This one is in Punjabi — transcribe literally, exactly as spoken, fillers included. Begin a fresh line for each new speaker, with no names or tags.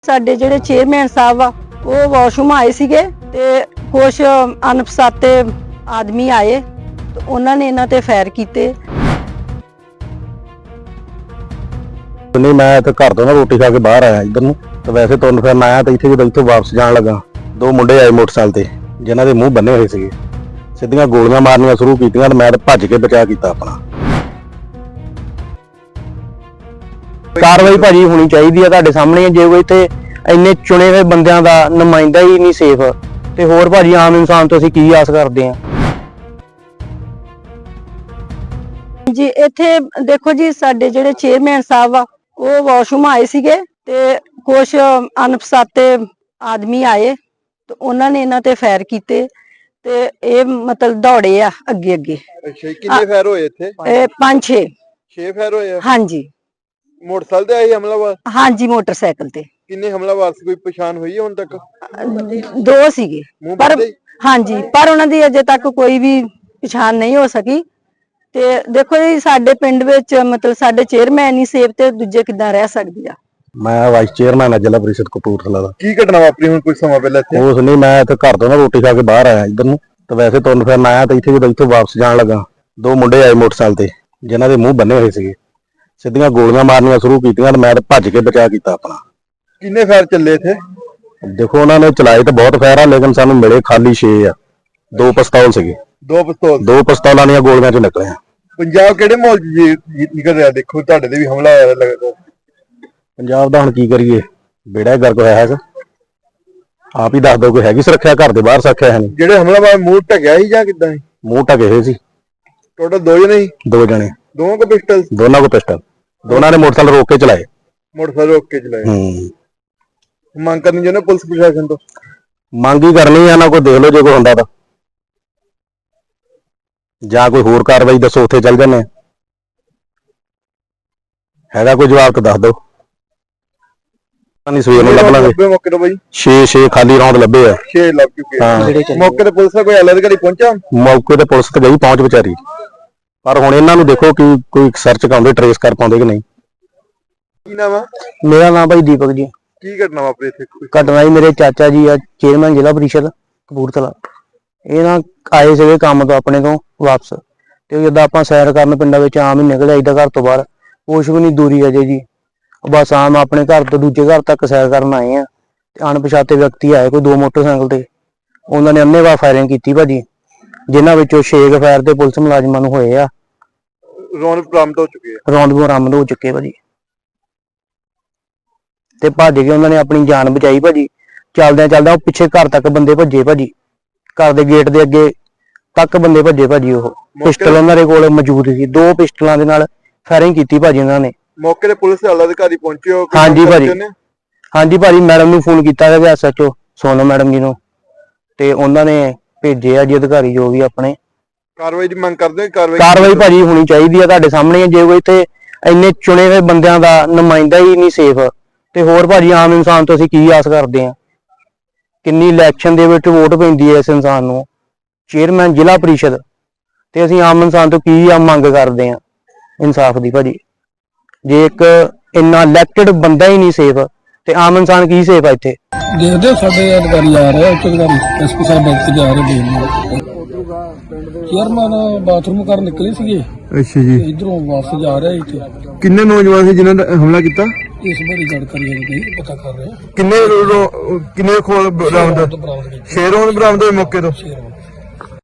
ਸਾਡੇ ਜਿਹੜੇ ਚੇਅਰਮੈਨ ਸਾਹਿਬ ਆ ਉਹ ਵਾਸ਼ਰੂਮ ਆਏ ਸੀਗੇ ਤੇ ਕੁਝ ਅਣਪਛਾਤੇ ਆਦਮੀ ਆਏ ਤੇ ਉਹਨਾਂ ਨੇ ਇਹਨਾਂ ਤੇ ਫਾਇਰ ਕੀਤੇ।
ਨਹੀਂ ਮੈਂ ਤਾਂ ਘਰ ਤੋਂ ਨਾ ਰੋਟੀ ਖਾ ਕੇ ਬਾਹਰ ਆਇਆ ਇਧਰ ਨੂੰ ਤੇ ਵੈਸੇ ਤੁਰਨ ਫਿਰਨ ਆਇਆ ਤੇ ਇੱਥੇ ਜਦੋਂ ਇੱਥੋਂ ਵਾਪਸ ਜਾਣ ਲੱਗਾ ਦੋ ਮੁੰਡੇ ਆਏ ਮੋਟਰਸਾਈਕਲ ਤੇ ਜਿਨ੍ਹਾਂ ਦੇ ਮੂੰਹ ਬੰਨੇ ਹੋਏ ਸੀਗੇ, ਸਿੱਧੀਆਂ ਗੋਲੀਆਂ ਮਾਰਨੀਆਂ ਸ਼ੁਰੂ ਕੀਤੀਆਂ ਤੇ ਮੈਂ ਤਾਂ ਭੱਜ ਕੇ ਬਚਾ ਕੀਤਾ ਆਪਣਾ।
ਕਾਰਵਾਈ ਭਾਜੀ ਹੋਣੀ ਚਾਹੀਦੀ ਆ, ਤੁਹਾਡੇ ਸਾਹਮਣੇ ਜੇ ਕੋਈ ਇੱਥੇ ਇੰਨੇ ਚੁਣੇ ਹੋਏ ਬੰਦਿਆਂ ਦਾ ਨੁਮਾਇੰਦਾ ਹੀ ਨਹੀਂ ਸੇਫ ਤੇ ਹੋਰ ਭਾਜੀ ਆਮ ਇਨਸਾਨ ਤੋਂ ਅਸੀਂ ਕੀ ਆਸ ਕਰਦੇ ਆ।
ਜੀ ਇੱਥੇ ਦੇਖੋ ਜੀ, ਸਾਡੇ ਜਿਹੜੇ ਚੇਅਰਮੈਨ ਸਾਹਿਬ ਆ ਉਹ ਵਾਸ਼ਰੂਮ ਆਏ ਸੀਗੇ ਤੇ ਕੁਝ ਅਣਪਛਾਤੇ ਆਦਮੀ ਆਏ ਤੇ ਉਹਨਾਂ ਨੇ ਇਹਨਾਂ ਤੇ ਫਾਇਰ ਕੀਤੇ ਤੇ ਇਹ ਮਤਲਬ ਦੌੜੇ ਆ ਅੱਗੇ ਅੱਗੇ।
ਅੱਛਾ, ਕਿੰਨੇ ਫਾਇਰ ਹੋਏ ਇੱਥੇ?
ਇਹ ਪੰਜ ਛੇ
ਛੇ ਫਾਇਰ ਹੋਏ ਆ।
ਹਾਂਜੀ।
ਮੋਟਰਸਾਈਕਲ ਤੇ ਆਏ ਹਮਲਾਵਰ?
ਹਾਂਜੀ, ਮੋਟਰਸਾਈਕਲ ਤੇ।
ਕਿੰਨੇ ਹਮਲਾਵਰ ਸੀ, ਕੋਈ ਪਛਾਣ ਹੋਈ ਹੈ ਹੁਣ ਤੱਕ?
ਦੋ ਸੀਗੇ ਪਰ ਹਾਂਜੀ, ਪਰ ਉਹਨਾਂ ਦੀ ਅਜੇ ਤੱਕ ਕੋਈ ਵੀ ਪਛਾਣ ਨਹੀਂ ਹੋ ਸਕੀ। ਤੇ ਦੇਖੋ ਜੀ, ਸਾਡੇ ਪਿੰਡ ਵਿੱਚ ਮਤਲਬ ਸਾਡੇ ਚੇਅਰਮੈਨ ਹੀ ਸੇਫ ਤੇ ਦੂਜੇ ਕਿੱਦਾਂ ਰਹਿ ਸਕਦੇ ਆ।
ਮੈਂ ਵਾਈਸ ਚੇਅਰਮੈਨ ਆ ਜ਼ਿਲ੍ਹਾ ਪ੍ਰੀਸ਼ਦ ਕਪੂਰਥਲਾ ਦਾ।
ਕੀ ਘਟਨਾ ਵਾਪਰੀ ਹੁਣ ਕੁਝ ਸਮਾਂ ਪਹਿਲਾਂ ਇੱਥੇ?
ਉਸ ਨਹੀਂ ਮੈਂ ਤਾਂ ਘਰ ਤੋਂ ਨਾ ਰੋਟੀ ਖਾ ਕੇ ਬਾਹਰ ਆਇਆ ਇਧਰ ਨੂੰ ਤੇ ਵੈਸੇ ਤੁਰਨ ਫਿਰਨ ਆਇਆ ਤੇ ਇੱਥੇ ਜਦੋਂ ਇੱਥੋਂ ਵਾਪਸ ਜਾਣ ਲੱਗਾ ਦੋ ਮੁੰਡੇ ਆਏ ਮੋਟਰਸਾਈਕਲ ਤੇ ਜਿਨ੍ਹਾਂ ਦੇ ਮੂੰਹ ਬੰਨੇ ਹੋਏ ਸੀਗੇ, ਸਿੱਧੀਆਂ ਗੋਲੀਆਂ ਮਾਰਨੀਆਂ ਸ਼ੁਰੂ ਕੀਤੀਆਂ ਤੇ ਮੈਂ ਤਾਂ ਭੱਜ ਕੇ ਬਚਾ ਕੀਤਾ ਆਪਣਾ।
ਕਿੰਨੇ ਫਾਇਰ ਚੱਲੇ ਇੱਥੇ?
ਦੇਖੋ ਉਹਨਾਂ ਨੇ ਚਲਾਏ ਤਾਂ ਬਹੁਤ ਫਾਇਰ ਆ, ਲੇਕਿਨ ਸਾਨੂੰ ਮਿਲੇ ਖਾਲੀ ਛੇ ਆ। ਦੋ ਪਿਸਤੌਲ ਸੀਗੇ,
ਦੋ ਪਿਸਤੌਲ? ਦੋ
ਪਿਸਤੌਲਾਂ ਦੀਆਂ ਗੋਲੀਆਂ ਚ ਨਿਕਲੇ ਆ।
ਪੰਜਾਬ ਕਿਹੜੇ ਮਾਹੌਲ ਚ ਜੀ ਨਿਕਲ ਰਿਹਾ? ਦੇਖੋ ਤੁਹਾਡੇ ਤੇ ਵੀ ਹਮਲਾ ਹੋਇਆ ਲੱਗਦਾ।
ਪੰਜਾਬ ਦਾ ਹੁਣ ਕੀ ਕਰੀਏ, ਬੇੜਾ ਗਰਕ ਹੋਇਆ ਹੈਗਾ। ਆਪ ਹੀ ਦੱਸ ਦਿਓ, ਕੋਈ ਹੈਗੀ ਸੁਰੱਖਿਆ? ਘਰ ਦੇ ਬਾਹਰ ਸੁਰੱਖਿਆ ਹੈ ਨਹੀਂ।
ਜਿਹੜੇ ਹਮਲਾਵਰ ਮੂੰਹ ਢਕਿਆ ਸੀ ਜਾਂ ਕਿੱਦਾਂ ਸੀ?
ਮੂੰਹ ਢਕੇ ਹੋਏ ਸੀ।
ਟੋਟਲ ਦੋ ਜਣੇ ਸੀ?
ਦੋ ਜਣੇ।
ਦੋਵਾਂ ਕੋ ਪਿਸਟਲ?
ਦੋਨਾਂ ਕੋ ਪਿਸਟਲ। ਦੋਨਾਂ ਨੇ ਮੋਟਰਸਾਈਕਲ ਰੋਕ ਕੇ ਚਲਾਏ।
ਮੋਟਰਸਾਈਕਲ ਰੋਕ ਕੇ ਚਲਾਏ।
ਹੂੰ।
ਮੰਗ ਕਰਨੀ ਚਾਹੁੰਦੇ ਪੁਲਿਸ ਪ੍ਰਸ਼ਾਸਨ ਤੋਂ?
ਮੰਗ ਹੀ ਕਰਨੀ ਆ ਨਾ, ਕੋਈ ਦੇਖ ਲਓ ਜੇ ਕੋਈ ਹੁੰਦਾ ਤਾਂ, ਜਾਂ ਕੋਈ ਹੋਰ ਕਾਰਵਾਈ ਦੱਸੋ, ਉੱਥੇ ਚੱਲ ਜਾਂਦੇ। ਹੈਗਾ ਕੋਈ ਜਵਾਬ ਤਾਂ ਦੱਸ ਦਿਓ। ਨਹੀਂ ਸਵੇਰ ਨੂੰ ਲੱਭ ਲਾਂਗੇ।
ਮੌਕੇ ਤੋਂ ਬਾਈ
ਛੇ ਛੇ ਖਾਲੀ ਰੌਂਦ ਲੱਭੇ ਆ।
ਛੇ ਲੱਭ ਚੁੱਕੇ ਆ।
ਹਾਂ।
ਮੌਕੇ ਤੇ ਪੁਲਿਸ ਦਾ ਕੋਈ ਐਲ ਅਧਿਕਾਰੀ ਪਹੁੰਚਾ?
ਮੌਕੇ ਤੇ ਪੁਲਿਸ ਤੇ ਗਈ, ਪਹੁੰਚ ਵਿਚਾਰੀ, ਪਰ ਹੁਣ ਇਹਨਾਂ ਨੂੰ ਦੇਖੋ ਕਿ ਕੋਈ ਸਰਚ ਕਰਾਉਂਦੇ, ਟਰੇਸ ਕਰ ਪਾਉਂਦੇ ਕਿ ਨਹੀਂ।
ਕੀ ਨਾਮ ਆ?
ਮੇਰਾ ਨਾਮ ਭਾਈ ਦੀਪਕ ਜੀ।
ਕੀ ਘਟਨਾ ਵਾਪਰੀ ਇੱਥੇ?
ਘਟਨਾ ਜੀ, ਮੇਰੇ ਚਾਚਾ ਜੀ ਆ ਚੇਅਰਮੈਨ ਜ਼ਿਲ੍ਹਾ ਪ੍ਰੀਸ਼ਦ ਕਪੂਰਥਲਾ। ਇਹ ਨਾ ਆਏ ਸੀਗੇ ਕੰਮ ਤੋਂ ਆਪਣੇ ਤੋਂ ਵਾਪਸ ਤੇ ਜਦੋਂ ਆਪਾਂ ਸੈਰ ਕਰਨ ਪਿੰਡਾਂ ਵਿੱਚ ਆਮ ਹੀ ਨਿਕਲ ਆਈਦਾ ਘਰ ਤੋਂ ਬਾਹਰ, ਕੁਛ ਵੀ ਨਹੀਂ ਦੂਰੀ ਅਜੇ ਜੀ, ਬਸ ਆਮ ਆਪਣੇ ਘਰ ਤੋਂ ਦੂਜੇ ਘਰ ਤੱਕ ਸੈਰ ਕਰਨ ਆਏ ਆ ਤੇ ਅਣਪਛਾਤੇ ਵਿਅਕਤੀ ਆਏ ਕੋਈ ਦੋ ਮੋਟਰਸਾਈਕਲ ਤੇ। ਉਹਨਾਂ ਨੇ ਅੰਨ੍ਹੇਵਾਹ ਫਾਇਰਿੰਗ ਕੀਤੀ ਭਾਜੀ, ਜਿਨ੍ਹਾਂ ਵਿੱਚੋਂ ਛੇ ਫਾਇਰ ਤੇ ਪੁਲਿਸ ਮੁਲਾਜ਼ਮਾਂ ਨੂੰ ਹੋਏ ਆ।
ਰੌਂਦ ਬਰਾਮਦ ਹੋ ਚੁੱਕੇ ਆ?
ਰੌਂਦ ਬਰਾਮਦ ਹੋ ਚੁੱਕੇ ਭਾਜੀ ਤੇ ਭੱਜ ਕੇ ਉਹਨਾਂ ਨੇ ਆਪਣੀ ਜਾਨ ਬਚਾਈ ਭਾਜੀ। ਚੱਲਦਿਆਂ ਚੱਲਦਿਆਂ ਉਹ ਪਿੱਛੇ ਘਰ ਤੱਕ ਬੰਦੇ ਭੱਜੇ ਭਾਜੀ, ਘਰ ਦੇ ਗੇਟ ਦੇ ਅੱਗੇ ਤੱਕ ਬੰਦੇ ਭੱਜੇ ਭਾਜੀ। ਉਹ ਪਿਸਟਲ ਉਹਨਾਂ ਦੇ ਕੋਲ ਮੌਜੂਦ ਸੀ, ਦੋ ਪਿਸਟਲਾਂ ਦੇ ਨਾਲ ਫਾਇਰਿੰਗ ਕੀਤੀ ਭਾਜੀ ਉਹਨਾਂ ਨੇ।
ਮੌਕੇ ਤੇ ਪੁਲਿਸ ਦੇ ਆਲਾ ਅਧਿਕਾਰੀ ਪਹੁੰਚੇ ਹੋ?
ਹਾਂਜੀ ਭਾਜੀ, ਹਾਂਜੀ ਭਾਜੀ, ਮੈਡਮ ਨੂੰ ਫੋਨ ਕੀਤਾ ਹੈ S H O Sonam madam ji ਨੂੰ, ਤੇ ਉਹਨਾਂ ਨੇ ਭੇਜੇ ਆ ਜੀ ਅਧਿਕਾਰੀ ਜੋ ਵੀ ਆਪਣੇ।
ਕਾਰਵਾਈ ਦੀ ਮੰਗ ਕਰਦੇ ਹੋ? ਕਾਰਵਾਈ
ਕਾਰਵਾਈ ਭਾਜੀ ਹੋਣੀ ਚਾਹੀਦੀ ਆ, ਤੁਹਾਡੇ ਸਾਹਮਣੇ ਜੇ ਕੋਈ ਇੱਥੇ ਇੰਨੇ ਚੁਣੇ ਹੋਏ ਬੰਦਿਆਂ ਦਾ ਨੁਮਾਇੰਦਾ ਹੀ ਨਹੀਂ ਸੇਫ ਤੇ ਹੋਰ ਭਾਜੀ ਆਮ ਇਨਸਾਨ ਤੋਂ ਅਸੀਂ ਕੀ ਆਸ ਕਰਦੇ ਆ। ਕਿੰਨੀ ਇਲੈਕਸ਼ਨ ਦੇ ਵਿੱਚ ਵੋਟ ਪੈਂਦੀ ਹੈ ਇਸ ਇਨਸਾਨ ਨੂੰ, ਚੇਅਰਮੈਨ ਜ਼ਿਲ੍ਹਾ ਪ੍ਰੀਸ਼ਦ, ਤੇ ਅਸੀਂ ਆਮ ਇਨਸਾਨ ਤੋਂ ਕੀ ਆ ਮੰਗ ਕਰਦੇ ਆ ਇਨਸਾਫ ਦੀ ਭਾਜੀ। ਜੇ ਇੱਕ ਇੰਨਾ ਇਲੈਕਟਡ ਬੰਦਾ ਹੀ ਨਹੀਂ ਸੇਫ ਤੇ ਆਮ ਇਨਸਾਨ ਕੀ ਸੇਫ ਆ ਇੱਥੇ?
ਦੇਖਦੇ ਸਾਡੇ ਅਧਿਕਾਰੀ ਆ ਰਹੇ, ਉੱਚ ਅਧਿਕਾਰੀ ਐਸਪੀ ਸਾਹਿਬ ਬੈਠ ਕੇ ਆ ਰਹੇ ਨੇ। ਚੇਅਰਮੈਨ ਬਾਥਰੂਮ ਕਰਨ ਨਿਕਲੇ ਸੀਗੇ।
ਅੱਛਾ ਜੀ।
ਇਧਰੋਂ ਵਾਪਸ ਜਾ ਰਿਹਾ ਇੱਥੇ।
ਕਿੰਨੇ ਨੌਜਵਾਨ ਸੀ ਜਿਨ੍ਹਾਂ ਨੇ ਹਮਲਾ ਕੀਤਾ?
ਇਸ ਬਾਰੇ ਜਾਣਕਾਰੀ ਨਹੀਂ ਪਤਾ ਕਰ ਰਹੇ।
ਕਿੰਨੇ ਕਿੰਨੇ ਖੋਲ ਬਰਾਮਦ?
ਬਰਾਮਦ
ਛੇ ਰੌਂਦ ਬਰਾਮਦ ਹੋਏ ਮੌਕੇ ਤੋਂ?
ਸ਼ੇਰ